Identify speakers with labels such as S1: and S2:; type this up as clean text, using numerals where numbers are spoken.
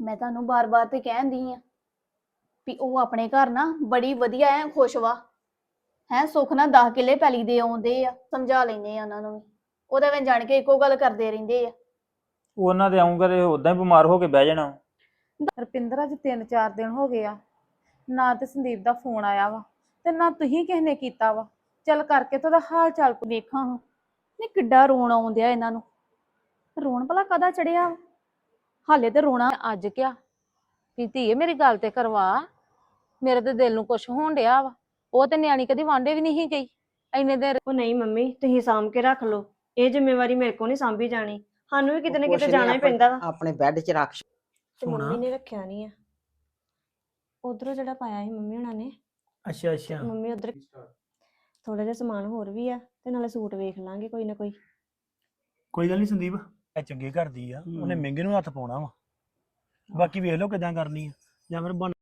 S1: ਮੈਂ ਤੁਹਾਨੂੰ ਬਾਰ-ਬਾਰ ਤੇ ਕਹਿੰਦੀ ਆ ਵੀ ਉਹ ਆਪਣੇ ਘਰ ਨਾ ਬੜੀ ਵਧੀਆ ਐ, ਖੁਸ਼ ਵਾ ਹੈ। ਸੁੱਖ ਨਾਲ 10 ਕਿੱਲੇ ਪੈਲੀ ਦੇ ਆਉਂਦੇ ਆ, ਸਮਝਾ ਲੈਂਦੇ ਆ ਉਹਨਾਂ ਨੂੰ ਵੀ। ਉਹਦੇ ਵਿੱਚ ਜਾਣ ਕੇ ਇੱਕੋ ਗੱਲ ਕਰਦੇ ਰਹਿੰਦੇ ਆ।
S2: ਉਹਨਾਂ ਦੇ ਆਉਂਗਾ ਤੇ ਉਦਾਂ ਹੀ ਬਿਮਾਰ ਹੋ ਕੇ ਬਹਿ ਜਾਣਾ।
S3: ਰੁਪਿੰਦਰ ਅੱਜ 3-4 ਦਿਨ ਹੋ ਗਏ ਆ, ਨਾ ਤੇ ਸੰਦੀਪ ਦਾ ਫੋਨ ਆਇਆ ਵਾ ਤੇ ਨਾ ਤੁਸੀਂ ਕਿਸੇ ਨੇ ਕੀਤਾ ਵਾ। ਚੱਲ ਕਰਕੇ ਤੇ ਉਹਦਾ ਹਾਲ ਚਾਲ
S1: ਵੇਖਾਂ ਹਾਂ ਨਹੀਂ ਕਿੱਡਾ ਰੋਣ ਆਉਂਦਿਆ ਇਹਨਾਂ ਨੂੰ। ਰੋਣ ਭਲਾ ਕਦਾ ਚੜਿਆ? ਹਾਲੇ ਤੇ ਰੋਣਾ
S3: ਅੱਜ ਕਿਹਾ ਵੀ ਧੀਏ ਮੇਰੀ ਗੱਲ ਤੇ ਕਰਵਾ, ਮੇਰੇ ਤੇ ਦਿਲ ਨੂੰ ਕੁਛ ਹੋਣ ਡਿਆ ਵਾ। ਉਹ ਤੇ ਨਿਆਣੀ ਕਦੀ ਵਾਂਡੇ ਵੀ ਨਹੀਂ ਗਈ ਇੰਨੇ ਦਿਨ।
S4: ਉਹ ਨਹੀਂ ਮੰਮੀ, ਤੁਸੀਂ ਸਾਂਭ ਕੇ ਰੱਖ ਲਓ, ਇਹ ਜ਼ਿੰਮੇਵਾਰੀ ਮੇਰੇ ਕੋਲ ਨਹੀਂ ਸਾਂਭੀ ਜਾਣੀ। ਸਾਨੂੰ ਵੀ ਕਿਤੇ ਨਾ ਕਿਤੇ ਜਾਣਾ ਹੀ ਪੈਂਦਾ ਵਾ।
S5: ਆਪਣੇ ਬੈੱਡ 'ਚ ਰੱਖ।
S4: ਤੇ ਮੰਮੀ ਨੇ ਰੱਖਿਆ ਨਹੀਂ ਆ, ਉਧਰੋਂ ਜਿਹੜਾ ਪਾਇਆ ਸੀ ਮੰਮੀ ਹੁਣਾਂ ਨੇ।
S2: ਅੱਛਾ ਅੱਛਾ।
S4: ਮੰਮੀ ਉਧਰ ਥੋੜਾ ਜਿਹਾ ਸਮਾਨ ਹੋਰ ਵੀ ਆ, ਤੇ ਨਾਲੇ ਸੂਟ ਵੇਖ ਲਾਂਗੇ ਕੋਈ ਨਾ ਕੋਈ।
S6: ਕੋਈ ਗੱਲ ਨਹੀਂ ਸੰਦੀਪ, ਇਹ ਚੰਗੇ ਘਰ ਦੀ ਆ, ਉਹਨੇ ਮਹਿੰਗੇ ਨੂੰ ਹੱਥ ਪਾਉਣਾ ਵਾ। ਬਾਕੀ ਵੇਖ ਲਓ ਕਿਦਾਂ ਕਰਨੀ ਆ, ਜਾਂ ਫਿਰ